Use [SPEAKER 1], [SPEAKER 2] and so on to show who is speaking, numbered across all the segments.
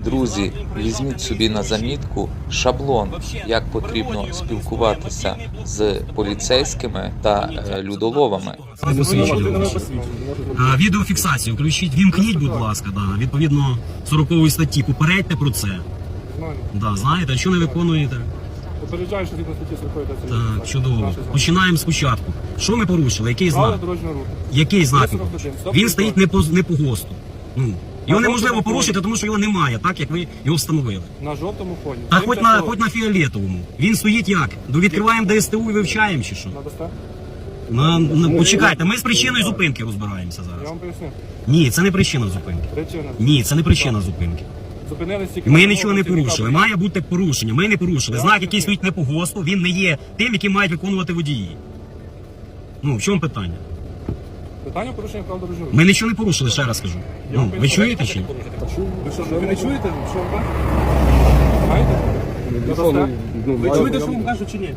[SPEAKER 1] Друзі, візьміть собі на замітку шаблон, як потрібно спілкуватися з поліцейськими та людоловами.
[SPEAKER 2] Відеофіксацію включіть, вімкніть, будь ласка, да, відповідно 40 статті, попередьте про це. Да, знаєте, а що не виконуєте?
[SPEAKER 3] Попереджаю, що згідно статті 40
[SPEAKER 2] Так, чудово. Починаємо спочатку. Що ми порушили? Який знак? Який знак? Він стоїть не по ГОСТу. Ну, його неможливо порушити, тому що його немає, так як ви його встановили.
[SPEAKER 3] На жовтому фоні.
[SPEAKER 2] А хоч на фіолетовому. Він стоїть як? Відкриваємо ДСТУ і вивчаємо чи що?
[SPEAKER 3] Надасте?
[SPEAKER 2] Почекайте, ми з причиною зупинки розбираємося
[SPEAKER 3] Я
[SPEAKER 2] зараз.
[SPEAKER 3] вам поясню.
[SPEAKER 2] Ні, це не причина зупинки.
[SPEAKER 3] Причина.
[SPEAKER 2] Ні, це не причина зупинки.
[SPEAKER 3] Зупинились тільки...
[SPEAKER 2] Ми нічого не порушили. Має бути порушення. Ми не порушили. Знак, який стоїть не по ГОСТу, він не є тим, який мають виконувати водії. Ну, в чому питання?
[SPEAKER 3] Питання порушення прав дорожнього руху.
[SPEAKER 2] Ми нічого не порушили, ще раз кажу. Ну, ви чуєте чи ні?
[SPEAKER 3] Ви що, ви не чуєте? Що вам кажуть? Знаєте? Надасте? Ви чуєте, що вам кажуть чи ні?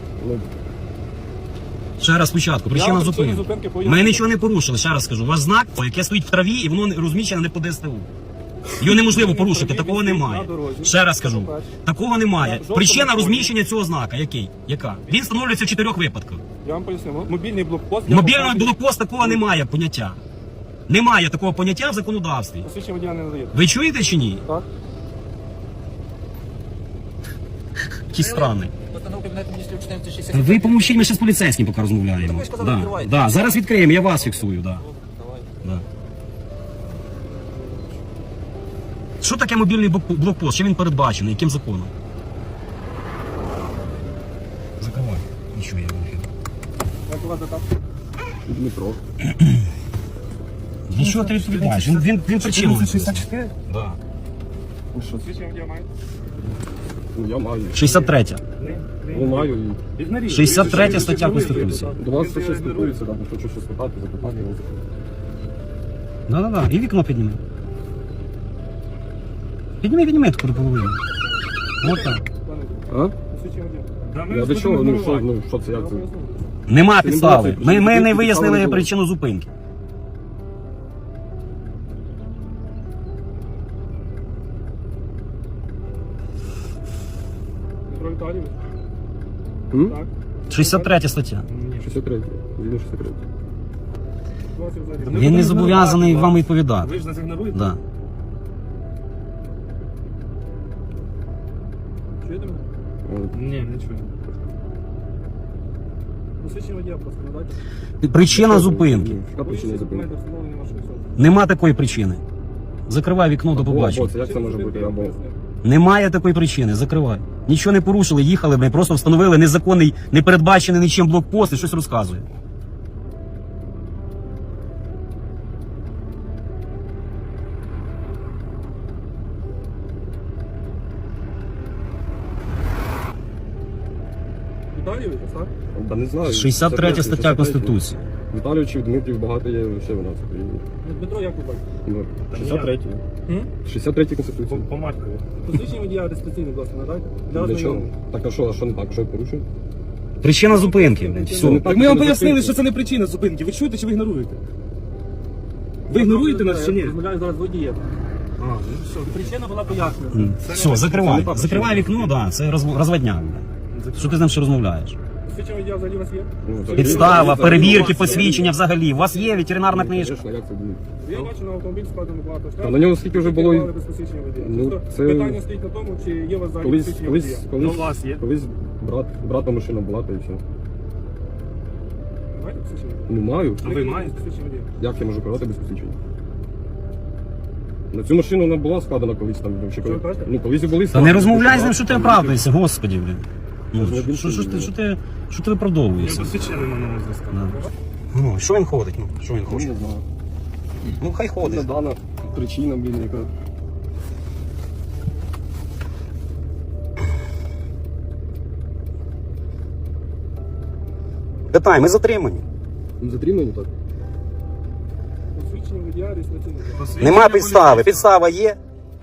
[SPEAKER 2] Ще раз спочатку, причина зупинки. Ми нічого не порушили, ще раз скажу. У вас знак, яке стоїть в траві, і воно розміщене не по ДСТУ. Його неможливо порушити, такого немає. Ще раз скажу, такого немає. Причина розміщення цього знака, який? Яка? Він встановлюється в 4 випадках.
[SPEAKER 3] Я вам поясню. Мобільний блокпост...
[SPEAKER 2] Мобільний блокпост такого немає поняття. Немає такого поняття в законодавстві.
[SPEAKER 3] Посвідчення водія не надаєте.
[SPEAKER 2] Ви чуєте чи ні?
[SPEAKER 3] Так.
[SPEAKER 2] Які страни.
[SPEAKER 4] Постанова Кабінету Міністрів 1460.
[SPEAKER 2] Ви помовчіть, ми ще з поліцейським поки розмовляємо.
[SPEAKER 4] Ви сказали, відкривайте.
[SPEAKER 2] Да. Зараз відкриємо, я вас фіксую. Да. Да. Що таке мобільний блокпост? Що він передбачений? Яким законом? Закривай. Нічого я вихід.
[SPEAKER 3] Як у вас дата?
[SPEAKER 5] Дмитро.
[SPEAKER 2] Ну що ти відповідаєш? Він причиною.
[SPEAKER 3] 64?
[SPEAKER 2] Да.
[SPEAKER 3] Посвідчення водія маєте?
[SPEAKER 5] Ну, я маю.
[SPEAKER 2] 63.
[SPEAKER 5] Ну, маю і
[SPEAKER 2] 63 стаття Конституції.
[SPEAKER 5] до вас це ще спілкується, так, хочу щось спитати, запитати.
[SPEAKER 2] Да. І вікно підніми. Підніми таку до половини. Ось так.
[SPEAKER 5] А?
[SPEAKER 3] Посвідчення водія.
[SPEAKER 5] Я до чого? Ну, що це, як це?
[SPEAKER 2] Нема підстави. Ми не вияснили причину зупинки.
[SPEAKER 3] Дмитро Віталійович?
[SPEAKER 5] М?
[SPEAKER 3] Так.
[SPEAKER 2] 63 стаття.
[SPEAKER 5] 63. Згідно 63.
[SPEAKER 3] Ситуація взагалі.
[SPEAKER 2] Він не зобов'язаний вам відповідати.
[SPEAKER 3] Ви ж нас ігноруєте?
[SPEAKER 2] Да.
[SPEAKER 3] Чуєте мене? Ні, не чую. Посвідчення водія просто надайте.
[SPEAKER 2] Причина зупинки.
[SPEAKER 5] Яка причина зупинки?
[SPEAKER 3] Документи встановлені вашої особи.
[SPEAKER 2] Нема такої причини. Закривай вікно, до
[SPEAKER 5] Або
[SPEAKER 2] побачення.
[SPEAKER 5] це як це може бути? Або
[SPEAKER 2] Немає такої причини, закривай. Нічого не порушили, їхали, ми просто встановили незаконний, не передбачений нічим блокпост і щось розказує.
[SPEAKER 3] Віталійович, так?
[SPEAKER 5] Та не знаю.
[SPEAKER 2] 63 стаття Конституції.
[SPEAKER 5] Віталійовичів, Дмитрів багато є ще в нас в Україні.
[SPEAKER 3] Ну, Дмитро, як ви бачите?
[SPEAKER 5] Ну, 63. 63 Конституції.
[SPEAKER 3] По маткові. Посвідчення водія реєстраційний, будь ласка, надайте. Для
[SPEAKER 5] Для чого?
[SPEAKER 3] ознайомлення.
[SPEAKER 5] Так, а що не так? Що я порушив?
[SPEAKER 2] Причина зупинки, блядь, все.
[SPEAKER 5] Так
[SPEAKER 6] Ми вам пояснили, що це не причина зупинки. Ви чуєте чи ви ігноруєте? Ви ігноруєте нас чи ні?
[SPEAKER 3] Я розмовляю зараз з водієм. Причина була пояснена.
[SPEAKER 2] Все, закривай. Закривай вікно, да, це розводняк. блядь. Що ти з ним ще розмовляєш?
[SPEAKER 3] Посвідчення водія взагалі у вас є?
[SPEAKER 2] Підстава, перевірки, посвідчення взагалі. У вас є ветеринарна книжка?
[SPEAKER 5] Звісно, як це буде?
[SPEAKER 3] Я бачу на автомобіль складено багато штрафів.
[SPEAKER 5] Та на нього скільки вже було?
[SPEAKER 3] Керували без посвідчення водія.
[SPEAKER 5] Ну,
[SPEAKER 3] Тобто
[SPEAKER 5] це-
[SPEAKER 3] питання стоїть на тому, чи є у вас взагалі посвідчення водія. Ну, у вас є.
[SPEAKER 5] Колись брата машина була, та і все.
[SPEAKER 3] Маєте посвідчення?
[SPEAKER 5] Ну, маю.
[SPEAKER 3] А ви маєте посвідчення водія?
[SPEAKER 5] Як я можу керувати без посвідчення? На цю машину вона була складена колись там. Ще коли...
[SPEAKER 3] ви кажете?
[SPEAKER 5] Ну, колись і були
[SPEAKER 2] Та
[SPEAKER 5] складені.
[SPEAKER 2] не розмовляй з ним, що ти оправдуєшся, господі, блін. Ну,
[SPEAKER 5] Що
[SPEAKER 2] що ти виправдовуєшся?
[SPEAKER 3] Посвідчення на мене зв'язку.
[SPEAKER 2] Ну, що він ходить? Ну, що він
[SPEAKER 5] Ну,
[SPEAKER 2] хоче?
[SPEAKER 5] не знаю.
[SPEAKER 2] Ну, хай
[SPEAKER 5] Не
[SPEAKER 2] ходить.
[SPEAKER 5] дана причина, блін, яка.
[SPEAKER 2] Питай, ми затримані.
[SPEAKER 5] Ну, затримані так.
[SPEAKER 3] Посвідчення водія реєстраційний.
[SPEAKER 2] Нема підстави. Підстава є.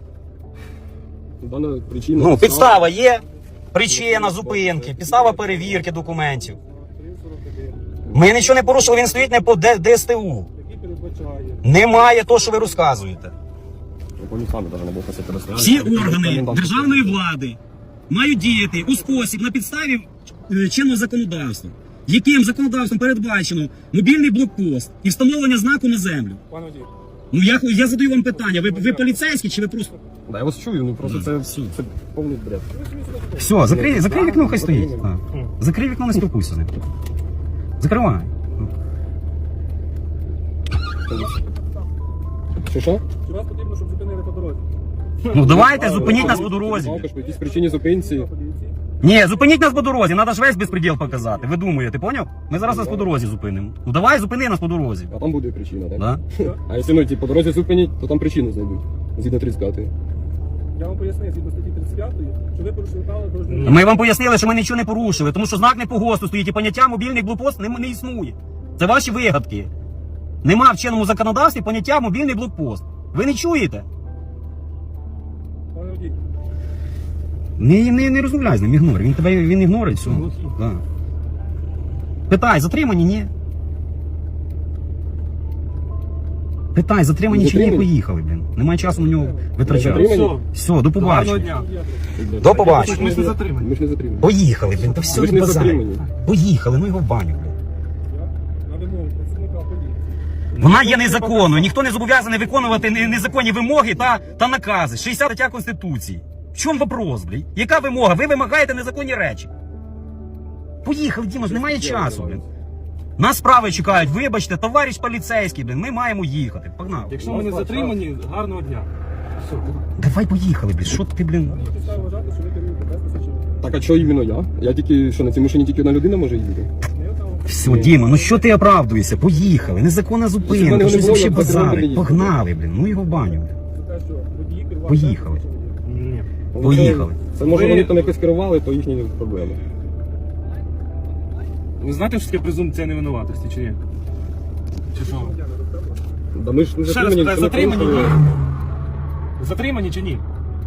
[SPEAKER 5] Дана причина.
[SPEAKER 2] Ну, підстава є. Причина зупинки, підстава перевірки документів.
[SPEAKER 3] 341.
[SPEAKER 2] Ми нічого не порушили, він стоїть не по ДСТУ.
[SPEAKER 3] Який передбачає.
[SPEAKER 2] Немає того, що ви розказуєте.
[SPEAKER 5] Вони самі навіть не був просити розстріляти.
[SPEAKER 2] Всі органи державної влади мають діяти у спосіб на підставі чинного законодавства, яким законодавством передбачено мобільний блокпост і встановлення знаку на землю.
[SPEAKER 3] Пане водій.
[SPEAKER 2] Ну я задаю вам питання, ви поліцейські чи ви просто...
[SPEAKER 5] Да, я вас чую, ну просто це повний бред.
[SPEAKER 2] Все, закрий вікно, хай стоїть. Закрий вікно, не спілкуйся з ним. Закривай.
[SPEAKER 5] Що?
[SPEAKER 3] Чи вас потрібно, щоб зупинили по дорозі?
[SPEAKER 2] Ну давайте, зупиніть нас по дорозі.
[SPEAKER 5] Також по якійсь причині зупинці.
[SPEAKER 2] Ні, зупиніть нас по дорозі, треба ж весь безпреділ показати. Ви думаєте, поняв? Ми зараз вас по дорозі зупинимо. Ну давай, зупини нас по дорозі.
[SPEAKER 5] А там буде причина, так?
[SPEAKER 2] Да?
[SPEAKER 5] А якщо ну, по дорозі зупинять, то там причину знайдуть. Згідно 35-ї.
[SPEAKER 3] Я вам пояснив, згідно статті 35, що ви порушили правила дорожнього руху.
[SPEAKER 2] Ми вам пояснили, що ми нічого не порушили, тому що знак не по ГОСТу стоїть і поняття мобільний блокпост не існує. Це ваші вигадки. Нема в чинному законодавстві поняття мобільний блокпост. Ви не чуєте?
[SPEAKER 3] Пане водій,
[SPEAKER 2] Не розмовляй з ним, ігнор. Він ігнорить все. Да. Питай, затримані, ні? Питай, затримані чи ні,
[SPEAKER 5] Затримані?
[SPEAKER 2] поїхали, блін. Немає часу на нього витрачати.
[SPEAKER 5] Затримані?
[SPEAKER 2] Все, до
[SPEAKER 3] гарного
[SPEAKER 2] побачення.
[SPEAKER 3] дня.
[SPEAKER 2] До побачення.
[SPEAKER 3] Ми ж не затримані.
[SPEAKER 5] Ми ж не затримані.
[SPEAKER 2] Поїхали, блін, та все
[SPEAKER 5] Ви ж
[SPEAKER 2] не
[SPEAKER 5] не
[SPEAKER 2] базарь.
[SPEAKER 5] затримані.
[SPEAKER 2] Поїхали, ну його в баню, блін.
[SPEAKER 3] На вимогу працівника поліції.
[SPEAKER 2] Вона є незаконною, ніхто не зобов'язаний виконувати незаконні вимоги та накази. 60 стаття Конституції. В чому вопрос, блін? Яка вимога? Ви вимагаєте незаконні речі. Поїхали, Діма, ж немає часу, блін. Нас справи чекають, вибачте, товариш поліцейський, блін, ми маємо їхати. Погнали.
[SPEAKER 3] Якщо ми не затримані, гарного дня. Все.
[SPEAKER 2] Давай поїхали, блін, що ти, блін?
[SPEAKER 3] Є підстави вважати, що ви керуєте без посвідчення.
[SPEAKER 5] Так, а що іменно я? Я тільки, що на цій машині тільки одна людина може їздити?
[SPEAKER 3] Не отам.
[SPEAKER 2] Все, Діма, ну що ти оправдуєшся? Поїхали, незаконна зупинка,
[SPEAKER 5] вони
[SPEAKER 2] щось
[SPEAKER 5] не
[SPEAKER 2] вообще
[SPEAKER 5] було, я
[SPEAKER 2] базарить.
[SPEAKER 5] б
[SPEAKER 2] Погнали, блін, ну його в баню. Блін.
[SPEAKER 3] За те, що водії керували
[SPEAKER 2] Поїхали.
[SPEAKER 3] без посвідчення.
[SPEAKER 2] Ні.
[SPEAKER 5] Ну,
[SPEAKER 2] Поїхали.
[SPEAKER 5] Це може
[SPEAKER 3] Ви-
[SPEAKER 5] вони там якось керували, то їхні проблеми.
[SPEAKER 3] Ви знаєте, що таке презумпція невинуватості, чи ні? Чи що?
[SPEAKER 5] Да ми ж не
[SPEAKER 3] Ще раз
[SPEAKER 5] затримані,
[SPEAKER 3] питаю,
[SPEAKER 5] це не
[SPEAKER 3] затримані
[SPEAKER 5] порушили.
[SPEAKER 3] ні? Затримані чи ні?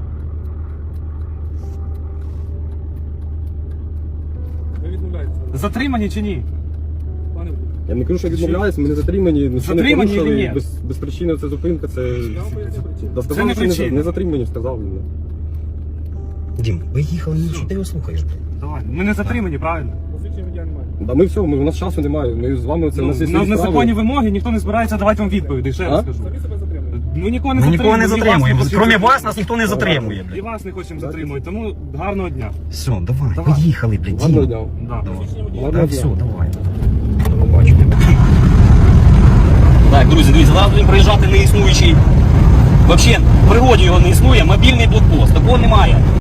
[SPEAKER 3] Ви відмовляєтеся. Затримані чи ні? Пане водій.
[SPEAKER 5] Я не кажу, що відмовляюсь, ми не затримані, нічого не
[SPEAKER 3] Затримані чи
[SPEAKER 5] порушили,
[SPEAKER 3] ні?
[SPEAKER 5] без причини це зупинка, це...
[SPEAKER 3] Я вам поясню причину.
[SPEAKER 5] Да,
[SPEAKER 3] Це
[SPEAKER 5] сказали,
[SPEAKER 3] не
[SPEAKER 5] що
[SPEAKER 3] причина.
[SPEAKER 5] не затримані, сказав він.
[SPEAKER 2] Дім, поїхали, ну що ти його слухаєш, блін?
[SPEAKER 3] Давай. Ми не затримані, правильно? Посвідчення водія немає.
[SPEAKER 5] Да ми все, у нас часу немає, ми з вами, це у нас є свої
[SPEAKER 3] На
[SPEAKER 5] справи.
[SPEAKER 3] незаконні вимоги ніхто не збирається давати вам відповіді, ще раз
[SPEAKER 5] А?
[SPEAKER 3] скажу.
[SPEAKER 6] Самі себе затримуєте.
[SPEAKER 3] Ми нікого не
[SPEAKER 2] Ми
[SPEAKER 3] затримуємо.
[SPEAKER 2] нікого не
[SPEAKER 3] і вас
[SPEAKER 2] затримуємо.
[SPEAKER 3] хочемо
[SPEAKER 2] Крім вас,
[SPEAKER 3] затримати.
[SPEAKER 2] нас ніхто не затримує,
[SPEAKER 3] І
[SPEAKER 2] блін.
[SPEAKER 3] вас не хочемо затримувати, тому гарного дня.
[SPEAKER 2] Все, давай,
[SPEAKER 3] Давай.
[SPEAKER 2] поїхали, блін.
[SPEAKER 5] Гарного
[SPEAKER 2] Дім.
[SPEAKER 5] дня.
[SPEAKER 3] Да.
[SPEAKER 5] Гарного
[SPEAKER 2] Все,
[SPEAKER 5] дня.
[SPEAKER 2] давай. До побачення. Так, друзі, дивіться, зараз будемо проїжджати неіснуючий. Взагалі, в пригоді його не існує, мобільний блокпост.